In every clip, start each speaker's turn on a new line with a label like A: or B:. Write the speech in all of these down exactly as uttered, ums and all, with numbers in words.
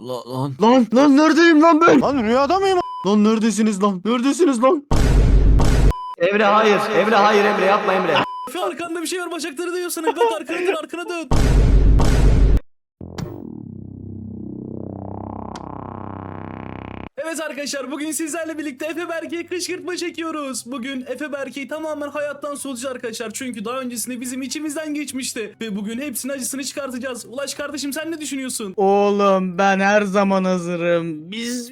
A: La, lan lan lan neredeyim lan ben?
B: Lan rüyada mıyım?
A: Lan neredesiniz lan? Neredesiniz lan?
C: Emre hayır. Emre hayır Emre yapma Emre.
D: Efe arkanda bir şey var, bacakları dönüyor sana. Bak arkana dön, arkana dön. Evet arkadaşlar, bugün sizlerle birlikte Efe Berke'ye kışkırtma çekiyoruz. Bugün Efe Berke'yi tamamen hayattan soğutacağız arkadaşlar. Çünkü daha öncesinde bizim içimizden geçmişti. Ve bugün hepsinin acısını çıkartacağız. Ulaş kardeşim, sen ne düşünüyorsun?
B: Oğlum ben her zaman hazırım.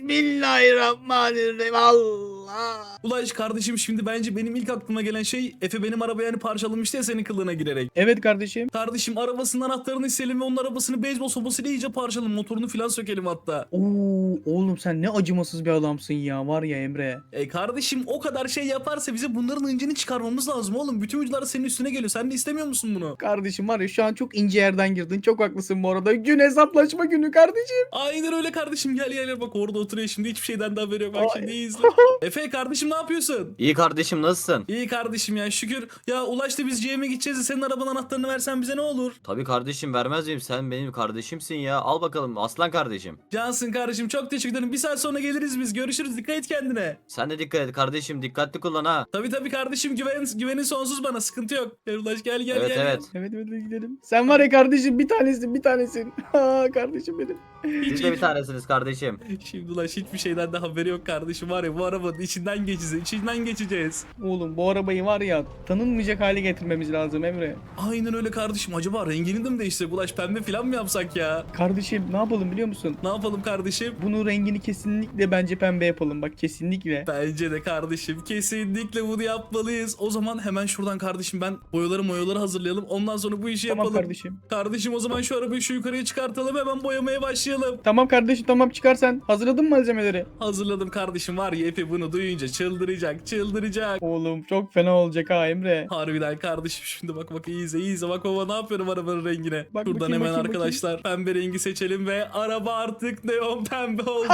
B: Bismillahirrahmanirrahim. Allah.
D: Ulaş kardeşim, şimdi bence benim ilk aklıma gelen şey, Efe benim arabayı hani parçalamıştı ya senin kılığına girerek.
B: Evet kardeşim.
D: Kardeşim, arabasının anahtarını isteyelim ve onun arabasını beyzbol sopasıyla iyice parçalayalım. Motorunu falan sökelim hatta.
B: Oo, oğlum sen ne acımasız bir adamsın ya, var ya Emre.
D: E kardeşim, o kadar şey yaparsa bize bunların incini çıkarmamız lazım oğlum. Bütün videolar senin üstüne geliyor. Sen de istemiyor musun bunu?
B: Kardeşim var ya, şu an çok ince yerden girdin. Çok haklısın bu arada. Gün hesaplaşma günü kardeşim.
D: Aynen öyle kardeşim, gel gel gel, bak orada oturuyor şimdi, hiçbir şeyden de haberi yok. Bak
B: Ay.
D: şimdi iyi izle. Efe kardeşim, ne yapıyorsun?
A: İyi kardeşim, nasılsın?
D: İyi kardeşim ya, şükür. Ya Ulaş'ta biz C M'ye gideceğiz de senin arabanın anahtarını versen bize ne olur?
A: Tabii kardeşim, vermez miyim? Sen benim kardeşimsin ya. Al bakalım aslan kardeşim.
D: Cansın kardeşim, çok teşekkür ederim. Bir saat sonra geliriz biz. Görüşürüz, dikkat et kendine.
A: Sen de dikkat et kardeşim. Dikkatli kullan ha.
D: Tabii tabii kardeşim, güven, güvenin sonsuz bana, sıkıntı yok. Gel Ulaş, gel gel
A: Evet
D: gel.
A: evet.
B: Evet evet hadi gidelim. Sen var ya kardeşim, bir tanesin bir tanesin. Ha kardeşim benim.
A: Siz de bir tanesiniz kardeşim.
D: Şimdi Ulaş hiçbir şeyden de haberi yok kardeşim, var ya bu arabanın içinden geçeceğiz, içinden geçeceğiz.
B: Oğlum bu arabayı var ya, tanınmayacak hale getirmemiz lazım Emre.
D: Aynen öyle kardeşim, acaba rengini de mi değiştirsek Ulaş, pembe falan mı yapsak ya?
B: Kardeşim ne yapalım biliyor musun?
D: Ne yapalım kardeşim?
B: Bunun rengini kesinlikle bence pembe yapalım, bak kesinlikle.
D: Bence de kardeşim, kesinlikle bunu yapmalıyız. O zaman hemen şuradan kardeşim ben boyaları moyaları hazırlayalım, ondan sonra bu işi
B: Tamam
D: yapalım.
B: kardeşim.
D: Kardeşim o zaman şu arabayı şu yukarıya çıkartalım, hemen boyamaya başlayalım.
B: Tamam kardeşim, tamam çıkar sen. Hazırladın mı malzemeleri?
D: Hazırladım kardeşim, var ya Efe bunu duyunca çıldıracak çıldıracak.
B: Oğlum çok fena olacak ha Emre.
D: Harbiden kardeşim, şimdi bak bak, iyi izle iyi izle, bak baba ne yapıyorum arabanın rengine.
B: Bak
D: Buradan
B: bakayım,
D: hemen
B: bakayım,
D: arkadaşlar pembe rengi seçelim ve araba artık neon pembe oldu.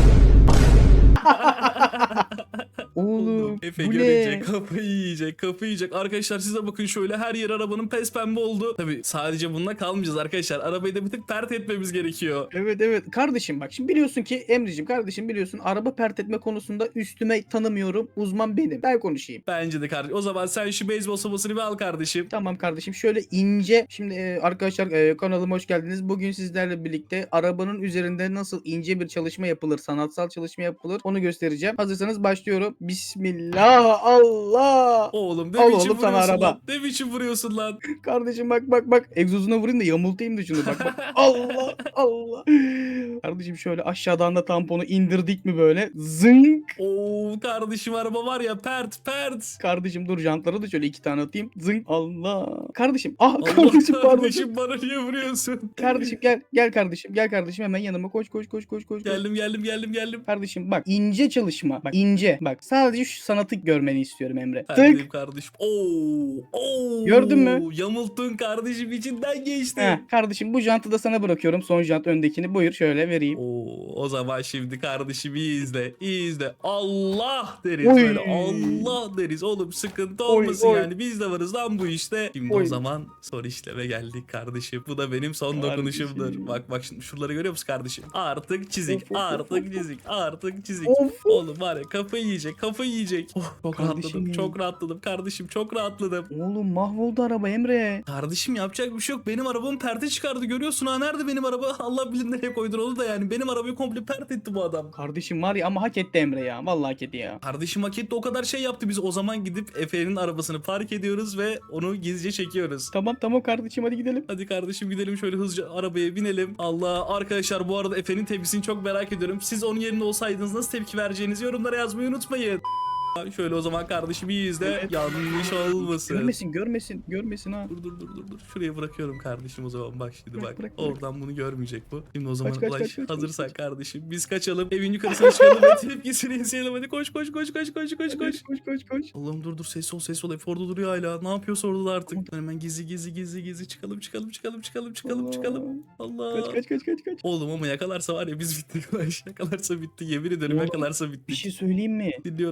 B: Oğlum
D: Efe
B: bu
D: görünce
B: ne?
D: kafayı yiyecek, kafayı yiyecek. Arkadaşlar size bakın, şöyle her yer arabanın pes pembe oldu. Tabi sadece bununla kalmayacağız arkadaşlar. Arabayı da bir tık pert etmemiz gerekiyor.
B: Evet evet kardeşim, bak şimdi biliyorsun ki Emre'cim, kardeşim biliyorsun araba pert etme konusunda üstüme tanımıyorum. Uzman benim. Ben konuşayım.
D: Bence de kardeşim. O zaman sen şu beyzbol sopasını bir al kardeşim.
B: Tamam kardeşim, şöyle ince. Şimdi e, arkadaşlar e, kanalıma hoş geldiniz. Bugün sizlerle birlikte arabanın üzerinde nasıl ince bir çalışma yapılır, sanatsal çalışma yapılır, onu göstereceğim. Hazırsanız başlıyorum. Bismillah, Allah.
D: Oğlum ne
B: Al
D: biçim
B: oğlum sana
D: vuruyorsun
B: araba.
D: lan? Ne biçim vuruyorsun lan?
B: Kardeşim bak bak bak. Egzozuna vurayım da yamultayım da şunu, bak bak. Allah Allah. Kardeşim şöyle aşağıdan da tamponu indirdik mi böyle? Zınk.
D: Oo kardeşim, araba var ya pert pert.
B: Kardeşim dur, jantlara da şöyle iki tane atayım. Zınk. Allah. Kardeşim. Ah
D: Allah
B: kardeşim pardon.
D: kardeşim, bana niye vuruyorsun?
B: Kardeşim gel gel kardeşim gel kardeşim, hemen yanıma koş koş koş koş koş.
D: Geldim geldim geldim geldim.
B: Kardeşim bak, ince çalışma. Bak ince. Bak sadece şu sanatı görmeni istiyorum Emre.
D: Perdeyim
B: Tık.
D: kardeşim. Oo, oo.
B: Gördün mü?
D: Yamulttun kardeşim, içinden geçti.
B: Heh, kardeşim bu jantı da sana bırakıyorum. Son jant öndekini. Buyur şöyle vereyim.
D: Oo, o zaman şimdi kardeşim iyi izle. İyi izle. Allah deriz
B: Oy.
D: böyle. Allah deriz. Oğlum sıkıntı
B: Oy,
D: olmasın
B: oy.
D: yani. Biz de varız lan bu işte. Şimdi
B: Oy.
D: o zaman son işleme geldik kardeşim. Bu da benim son
B: Kardeşim.
D: dokunuşumdur. Bak bak, şimdi şuraları görüyor musun kardeşim? Artık çizik.
B: Of, of, of,
D: Artık çizik. Artık çizik.
B: Of, of.
D: Oğlum var ya, kafayı yiyecek. Kafayı yiyecek. Oh, çok
B: Kardeşim
D: rahatladım.
B: benim.
D: Çok rahatladım kardeşim. Çok rahatladım.
B: Oğlum mahvoldu araba Emre.
D: Kardeşim yapacak bir şey yok. Benim arabamı perte çıkardı, görüyorsun ha. Nerede benim araba? Allah bilir nereye koydun onu da yani. Benim arabayı komple pert etti bu adam.
B: Kardeşim var ya, ama hak etti Emre ya. Vallahi hak etti ya.
D: Kardeşim hak etti, o kadar şey yaptı. Biz o zaman gidip Efe'nin arabasını park ediyoruz ve onu gizlice çekiyoruz.
B: Tamam tamam kardeşim, hadi gidelim.
D: Hadi kardeşim gidelim, şöyle hızlıca arabaya binelim. Allah, arkadaşlar bu arada Efe'nin tepkisini çok merak ediyorum. Siz onun yerinde olsaydınız nasıl tepki vereceğinizi yorumlara yazmayı unutmayın. Şöyle o zaman kardeşim iyi izle.
B: Evet.
D: Yanlış olmasın.
B: Görmesin görmesin görmesin ha.
D: Dur dur dur dur dur. Şuraya bırakıyorum kardeşim o zaman, bak şimdi
B: Bırak,
D: bak.
B: bırak, bırak.
D: Oradan bunu görmeyecek bu. Şimdi o zaman
B: Kaç, kaç,
D: Ulaş,
B: kaç, kaç,
D: hazırsan
B: kaç.
D: kardeşim biz kaçalım. Evin yukarısına çıkalım ve tepkisini izleyelim. Hadi koş koş koş koş koş koş koş.
B: Koş koş koş.
D: Allah'ım dur dur, ses ol ses ol. Efe orada duruyor hala. Ne yapıyorsa orada da artık. Hemen gizli gizli gizli gizli çıkalım çıkalım çıkalım çıkalım çıkalım
B: Allah.
D: çıkalım. Allah.
B: Kaç kaç kaç kaç kaç.
D: Oğlum ama yakalarsa var ya biz bittik Ulaş. Yakalarsa bitti, yemin ederim
B: Oğlum,
D: yakalarsa
B: Bir
D: bittik.
B: şey söyleyeyim mi?
D: Dinliyorum kardeşim.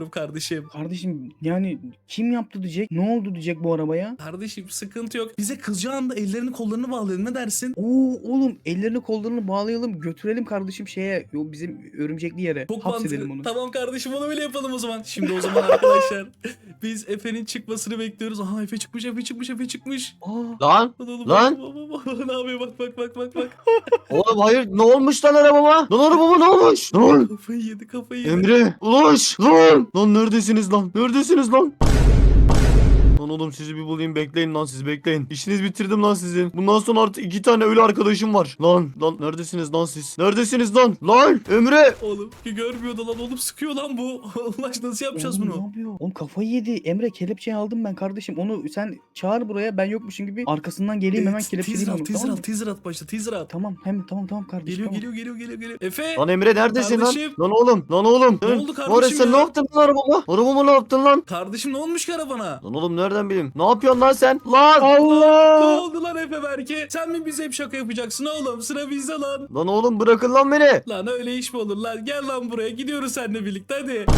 D: kardeşim.
B: Kardeşim yani kim yaptı diyecek? Ne oldu diyecek bu arabaya?
D: Kardeşim sıkıntı yok. Bize kızacağı anda ellerini kollarını bağlayalım, ne dersin?
B: Oo oğlum ellerini kollarını bağlayalım götürelim kardeşim şeye yo, bizim örümcekli yere.
D: Çok
B: Hapsedelim
D: mantıklı.
B: onu.
D: Tamam kardeşim, onu bile yapalım o zaman. Şimdi o zaman arkadaşlar biz Efe'nin çıkmasını bekliyoruz. Aha Efe çıkmış, Efe çıkmış, Efe çıkmış.
B: Aa,
A: Lan.
D: Lan oğlum,
A: Lan.
D: bak, bak, bak, bak, ne yapıyor, bak bak bak bak bak.
A: Oğlum hayır ne olmuş lan arabama? Lan arabama ne olmuş? Lan.
D: Kafayı yedi, kafayı yedi.
A: Emre. Ulaş. Lan. Lan neredesiniz lan? Neredesiniz lan? Lan oğlum sizi bir bulayım, bekleyin lan, siz bekleyin. İşiniz bitirdim lan sizin. Bundan sonra artık iki tane ölü arkadaşım var. Lan lan neredesiniz lan siz? Neredesiniz lan? Lan Emre.
D: Oğlum ki görmüyordu lan, oğlum sıkıyor lan bu. Ulaş nasıl yapacağız
B: oğlum,
D: bunu?
B: Ne yapıyor? Oğlum kafayı yedi. Emre kelepçeyi aldım ben kardeşim. Onu sen çağır buraya ben yokmuşum gibi arkasından geleyim hemen
D: Evet,
B: kelepçeleyeyim
D: teaser
B: onu.
D: at, teaser
B: tamam
D: at,
B: mı?
D: teaser at başta, teaser at.
B: Tamam hem tamam tamam kardeşim.
D: Geliyor,
B: tamam.
D: geliyor, geliyor, geliyor, geliyor. Efe.
A: Lan Emre neredesin lan?
D: Kardeşim.
A: Lan oğlum, lan oğlum.
D: Ne
A: Lan,
D: oldu
A: var ya,
D: kardeşim
A: sen
D: ya?
A: ne yaptın lan arabama? Arabama ne yaptın lan?
D: Kardeşim ne olmuş ki arabana?
A: Lan oğlum nereden bileyim? Ne yapıyorsun lan sen? Lan!
D: Ne
B: Allah!
D: oldu lan Efe Berke? Sen mi bize hep şaka yapacaksın oğlum? Sıra bizde lan.
A: Lan oğlum bırakın lan beni.
D: Lan öyle iş mi olur lan? Gel lan buraya. Gidiyoruz seninle birlikte hadi.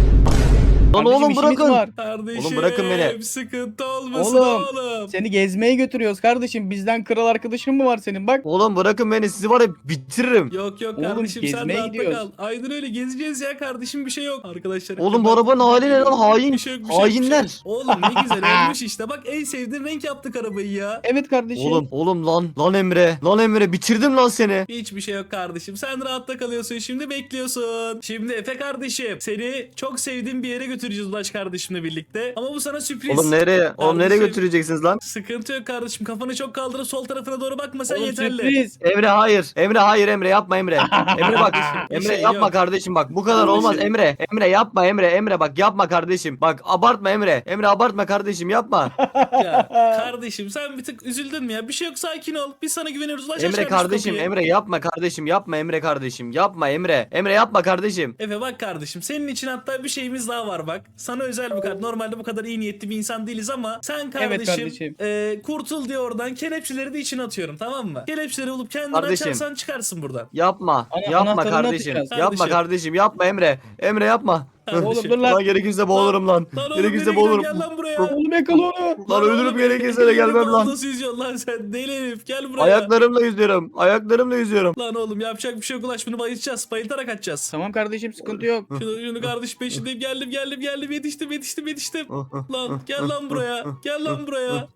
A: Lan
B: Kardeşim,
A: oğlum
B: işimiz
A: bırakın.
B: var.
D: Kardeşim.
A: Oğlum bırakın beni.
D: Sıkıntı olmasın
B: Oğlum.
D: oğlum.
B: Seni gezmeye götürüyoruz kardeşim. Bizden kral arkadaşın mı var senin? Bak.
A: Oğlum bırakın beni, sizi var ya bitiririm.
D: Yok yok
B: Oğlum,
D: kardeşim, sen
B: gezmeye
D: rahatta
B: gidiyoruz.
D: kal. Aynen öyle, gezeceğiz ya kardeşim, bir şey yok. Arkadaşlar.
A: Oğlum bu arabanın hali ne lan? Hain.
D: Bir şey yok, bir şey yok, bir şey yok.
A: Hainler.
D: Oğlum ne güzel olmuş işte. Bak en sevdiğin renk yaptık arabayı ya.
B: Evet kardeşim.
A: Oğlum oğlum lan lan Emre. Lan Emre bitirdim lan seni.
D: Hiçbir şey yok kardeşim. Sen rahatta kalıyorsun. Şimdi bekliyorsun. Şimdi Efe kardeşim, seni çok sevdiğim bir yere götüreceğiz Ulaş kardeşimle birlikte. Ama bu sana sürpriz.
A: Oğlum nereye? Oğlum nereye
D: Kardeşim.
A: götüreceksiniz lan?
D: Sıkıntı yok kardeşim. Kafanı çok kaldırıp sol tarafına doğru bakma, sen
B: Oğlum,
D: yeterli.
B: sürpriz.
A: Emre hayır. Emre hayır Emre yapma Emre. Emre bak.
D: Bir
A: Emre
D: şey
A: yapma
D: yok.
A: kardeşim bak. Bu kadar
D: Kardeşim.
A: olmaz Emre. Emre yapma Emre. Emre bak yapma kardeşim. Bak abartma Emre. Emre abartma kardeşim yapma.
D: Ya kardeşim sen bir tık üzüldün mü ya? Bir şey yok, sakin ol. Biz sana güveniyoruz. Ulaş,
A: Emre
D: açar mısın
A: kardeşim
D: kapıyı?
A: Emre yapma kardeşim yapma Emre kardeşim. Yapma Emre. Emre yapma kardeşim.
D: Efe bak kardeşim, senin için hatta bir şeyimiz daha var bak. Sana özel bir kart. Normalde bu kadar iyi niyetli bir insan değiliz ama sen kardeşim,
B: kardeşim.
D: e, kurtul diye oradan kelepçeleri de içine atıyorum, tamam mı? Kelepçeleri bulup kendini
A: Kardeşim.
D: açarsan çıkarsın buradan.
A: Yapma.
B: Ana-
A: yapma
B: anahtarını
A: kardeşim.
B: atacağız.
A: Yapma
D: Kardeşim.
A: kardeşim. Yapma Emre. Emre yapma.
D: Kardeşim.
B: Oğlum dur lan.
A: Lan gerekirse boğulurum lan.
D: Lan oğlum
A: Gerekirse
D: nereye
A: boğulurum.
D: gidiyorsun? Gel lan buraya.
B: Oğlum yakala onu.
A: Lan ölürüm
D: oğlum,
A: gerekirse de
D: elini
A: gelmem lan.
D: Nasıl yüzüyorsun lan sen? Deli herif, gel buraya.
A: Ayaklarımla yüzüyorum. Ayaklarımla yüzüyorum.
D: Lan oğlum yapacak bir şey yok Ulaş, bunu bayılacağız. Bayıltarak açacağız.
B: Tamam kardeşim sıkıntı yok.
D: Şunu, şunu kardeş peşindeyim, geldim geldim geldim, yetiştim yetiştim yetiştim. Lan gel lan buraya, gel lan buraya.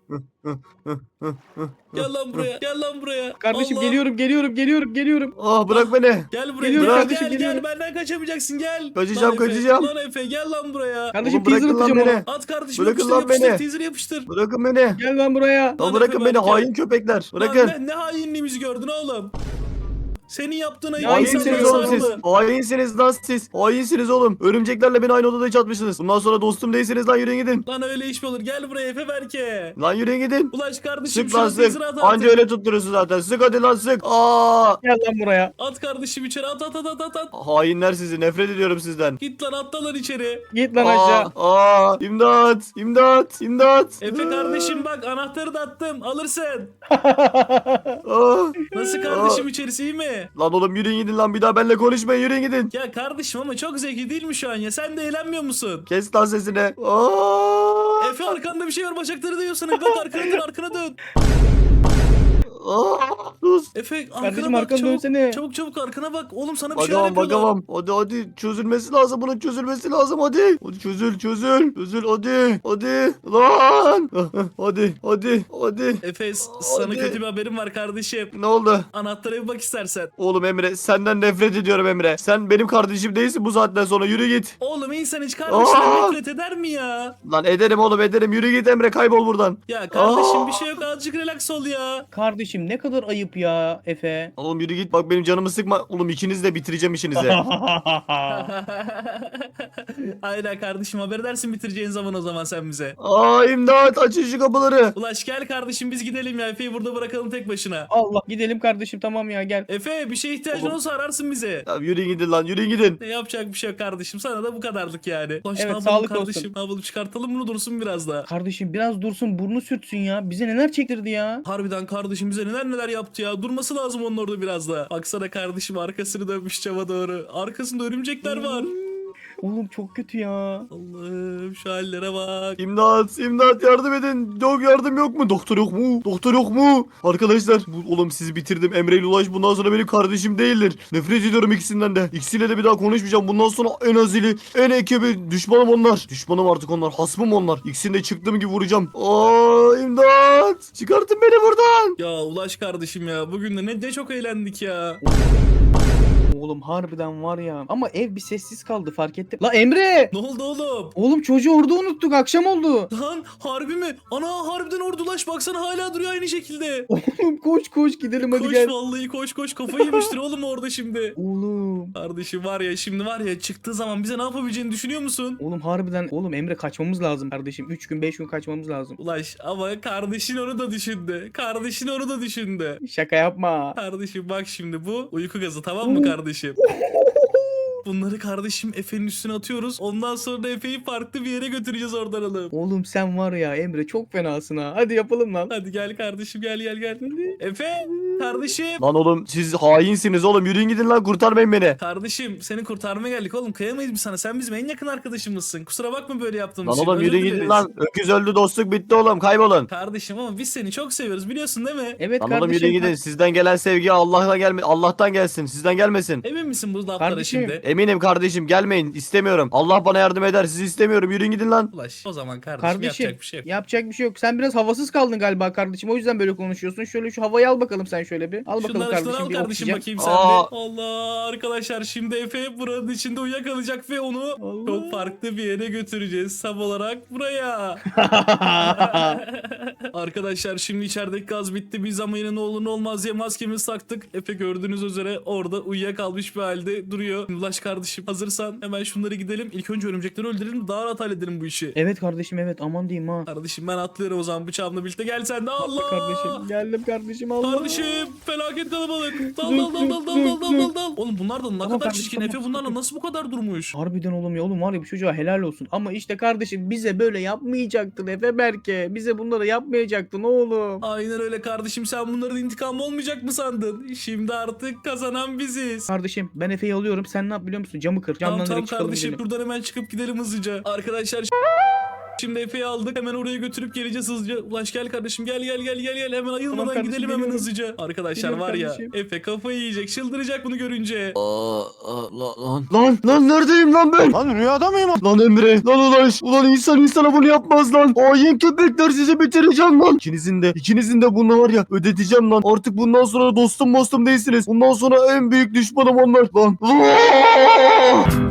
D: Gel lan buraya, gel lan buraya.
B: Kardeşim
D: Allah.
B: geliyorum geliyorum geliyorum geliyorum.
A: Ah bırak beni.
D: Gel buraya,
B: Geliyorum
D: gel,
B: kardeşim,
D: gel, gel,
B: geliyorum.
D: benden kaçamayacaksın, gel.
A: Kaçacağım,
D: Lan Efe,
A: kaçacağım.
D: Lan Efe gel lan buraya.
B: Kardeşim
A: Oğlum bırakın
B: teaser
A: lan
B: atacağım
A: beni.
B: ona.
D: At kardeşim,
A: Bırakın
D: yapıştır
A: lan
D: yapıştır,
A: beni.
D: teaser yapıştır.
A: Bırakın beni.
B: Gel lan buraya.
A: Lan
D: Lan
A: bırakın
D: Efe,
A: beni
D: ben gel.
A: hain köpekler.
D: Lan
A: Bırakın.
D: ne, ne hainliğimizi gördün oğlum. Senin yaptığın ayıp
A: Hainsiniz
D: insanlara
A: oğlum siz.
D: sarıldı.
A: Hainsiniz lan siz. Hainsiniz oğlum. Örümceklerle beni aynı odada çatmışsınız. Bundan sonra dostum değilsiniz lan, yürüyün gidin.
D: Lan öyle iş mi olur? Gel buraya Efe Berke.
A: Lan yürüyün gidin.
D: Ulaş kardeşim,
A: Sık lan
D: şuna teaser
A: sık.
D: at artık.
A: Anca öyle tutturuyorsun zaten. Sık hadi lan sık. Aa!
B: Gel lan buraya.
D: At kardeşim içeri, at at at at at. at.
A: Hainler sizi. Nefret ediyorum sizden.
D: Git lan, atla lan içeri.
B: Git lan aşağı.
A: Aa! İmdat! İmdat! İmdat!
D: Efe kardeşim bak, anahtarı da attım, alırsın.
A: Aa!
D: Nasıl kardeşim, içerisi iyi mi?
A: Lan oğlum yürüyün gidin lan, bir daha benimle konuşmayın, yürüyün gidin.
D: Ya kardeşim ama çok zevkli değil mi şu an ya? Sen de eğlenmiyor musun?
A: Kes lan sesini. Aa!
D: Efe arkanda bir şey var, bacakları dönüyor sana. Bak arkana dön, arkana dön.
A: Aa! Sus.
D: Efe arkana
B: Kardeşim,
D: bak,
B: arkana
D: çabuk,
B: dönsene.
D: çabuk çabuk arkana bak. Oğlum sana bir şeyler
A: Bakamam
D: yapıyorlar.
A: bakamam. Hadi hadi çözülmesi lazım, bunun çözülmesi lazım hadi. Hadi çözül çözül. Çözül hadi. Hadi. Lan. Hadi hadi hadi.
D: Efe s- sana
A: Hadi.
D: kötü bir haberim var kardeşim.
A: Ne oldu?
D: Anahtara bir bak istersen.
A: Oğlum Emre, senden nefret ediyorum Emre. Sen benim kardeşim değilsin bu saatten sonra, yürü git.
D: Oğlum insan hiç kardeşine
A: Aa!
D: nefret eder mi ya?
A: Lan ederim oğlum ederim, yürü git Emre, kaybol buradan.
D: Ya kardeşim
A: Aa!
D: bir şey yok, azıcık relax ol ya.
B: Kardeşim ne kadar ayıp ya Efe.
A: Oğlum yürü git, bak benim canımı sıkma. Oğlum ikiniz de bitireceğim işinizi.
D: Aynen kardeşim, haber edersin bitireceğin zaman o zaman sen bize.
A: Aa imdat, açın şu kapıları.
D: Ulaş gel kardeşim, biz gidelim ya, Efe'yi burada bırakalım tek başına.
B: Allah gidelim kardeşim tamam ya gel.
D: Efe bir şeye ihtiyacın
A: Oğlum.
D: olursa ararsın bizi.
A: Ya yürüyün gidin lan, yürüyün gidin.
D: Ne yapacak bir şey yok kardeşim, sana da bu kadarlık yani. Ulaş,
B: Evet,
D: ne yapalım
B: sağlık
D: kardeşim,
B: olsun.
D: ne yapalım, çıkartalım bunu, dursun biraz daha.
B: Kardeşim biraz dursun burnu sürtsün ya. Bize neler çektirdi ya.
D: Harbiden kardeşim bize neler neler yaptı ya. Durması lazım onun orada biraz da. Baksana kardeşim, arkasını dönmüş cama doğru. Arkasında örümcekler var.
B: Oğlum çok kötü ya.
D: Allah'ım şu hallere bak.
A: İmdat, imdat yardım edin. Yok yardım yok mu? Doktor yok mu? Doktor yok mu? Arkadaşlar bu, oğlum sizi bitirdim. Emre ile Ulaş bundan sonra benim kardeşim değildir. Nefret ediyorum ikisinden de. İkisiyle de bir daha konuşmayacağım. Bundan sonra en azili, en ekibi düşmanım onlar. Düşmanım artık onlar. Hasmım onlar. İkisini de çıktığım gibi vuracağım. Aa imdat. Çıkartın beni buradan.
D: Ya Ulaş kardeşim ya bugün de ne, ne çok eğlendik ya.
B: Oğlum harbiden var ya. Ama ev bir sessiz kaldı fark ettim. La Emre!
D: Ne oldu oğlum?
B: Oğlum çocuğu orada unuttuk. Akşam oldu.
D: Lan harbi mi? Ana harbiden orada Ulaş baksana hala duruyor aynı şekilde.
B: Oğlum koş koş gidelim hadi
D: Koş
B: gel.
D: vallahi koş koş kafayı yemiştir oğlum orada şimdi.
B: Oğlum.
D: Kardeşim var ya şimdi var ya çıktığı zaman bize ne yapabileceğini düşünüyor musun?
B: Oğlum harbiden. Oğlum Emre kaçmamız lazım kardeşim. üç gün beş gün kaçmamız lazım.
D: Ulaş ama kardeşin onu da düşündü. Kardeşin onu da düşündü.
B: Şaka yapma.
D: Kardeşim bak şimdi bu uyku gazı tamam mı kardeşim? Bunları kardeşim Efe'nin üstüne atıyoruz. Ondan sonra Efe'yi farklı bir yere götüreceğiz oradan alıp.
B: Oğlum sen var ya Emre çok fenasın ha. Hadi yapalım lan.
D: Hadi gel kardeşim gel gel gel. Efe kardeşim.
A: Lan oğlum siz hainsiniz oğlum. Yürüyün gidin lan, kurtarmayın beni.
D: Kardeşim seni kurtarmaya geldik oğlum kıyamayız biz sana. Sen bizim en yakın arkadaşımızsın. Kusura bakma böyle yaptığımız
A: Lan
D: için.
A: oğlum
D: Özür
A: yürüyün gidin
D: dileriz.
A: lan. Öküz öldü, dostluk bitti oğlum, kaybolun.
D: Kardeşim ama biz seni çok seviyoruz biliyorsun değil mi?
B: Evet
A: Lan
B: kardeşim.
A: oğlum yürüyün gidin. Sizden gelen sevgi Allah'tan gelme, Allah'tan gelsin. Sizden gelmesin.
D: Emin misin bu laflara
B: Kardeşim.
D: şimdi?
A: Eminim kardeşim, gelmeyin, istemiyorum. Allah bana yardım eder, sizi istemiyorum. Yürüyün gidin lan.
D: Ulaş o zaman kardeşim,
B: Kardeşim
D: yapacak bir şey yok.
B: yapacak bir şey yok. Sen biraz havasız kaldın galiba kardeşim. O yüzden böyle konuşuyorsun. Şöyle şu havayı al bakalım sen şöyle bir. Al bakalım
D: Şunları
B: kardeşim
D: şunları al
B: bir
D: kardeşim
B: oksijen.
D: bakayım sen
A: Aa.
D: de. Allah arkadaşlar şimdi Efe buranın içinde uyuyakalacak ve onu
B: Allah.
D: çok farklı bir yere götüreceğiz. Tam olarak buraya. Arkadaşlar şimdi içerideki gaz bitti. Biz ama yine ne olur ne olmaz diye maskemizi taktık. Efe gördüğünüz üzere orada uyuyakalmış bir halde duruyor. Ulaş kardeşim hazırsan hemen şunları gidelim. İlk önce örümcekleri öldürelim daha rahat halledelim bu işi.
B: Evet kardeşim evet aman diyeyim ha.
D: Kardeşim ben atlıyorum o zaman bıçağımla birlikte. Gel sen de Allah.
B: Kardeşim geldim kardeşim Allah.
D: Kardeşim felaket kalabalık. Dal dal dal dal dal dal dal dal dal. Oğlum bunlar da ne
B: Tamam
D: kadar
B: kardeşim,
D: çirkin.
B: tamam,
D: Efe bunlarla
B: tamam.
D: nasıl bu kadar durmuş?
B: Harbiden oğlum ya oğlum var ya bu çocuğa helal olsun. Ama işte kardeşim bize böyle yapmayacaktın Efe Berke. Bize bunları yapmayacaktın oğlum.
D: Aynen öyle kardeşim sen bunların intikamı olmayacak mı sandın? Şimdi artık kazanan biziz.
B: Kardeşim ben Efe'yi alıyorum. Sen ne yap biliyor musun? Camı kır.
D: Tamam
B: Camdan
D: tamam
B: direkt çıkalım
D: kardeşim
B: gidelim.
D: buradan hemen çıkıp gidelim hızlıca. Arkadaşlar şimdi Efe'yi aldık hemen oraya götürüp geleceğiz hızlıca. Ulaş gel kardeşim gel gel gel gel gel hemen ayılmadan
B: kardeşim,
D: gidelim hemen
B: geliyorum.
D: hızlıca. Arkadaşlar
B: Geliyorum
D: var ya
B: kardeşim.
D: Efe kafayı yiyecek çıldıracak bunu görünce.
A: Aa, aa, lan, lan lan neredeyim lan ben?
C: Lan rüyada mıyım?
A: Lan Emre, lan Ulaş, ulan insan insana bunu yapmaz lan. Hain köpekler, sizi bitireceğim lan. İkinizin de, ikinizin de bunu var ya ödeteceğim lan. Artık bundan sonra dostum dostum değilsiniz. Bundan sonra en büyük düşmanım onlar lan.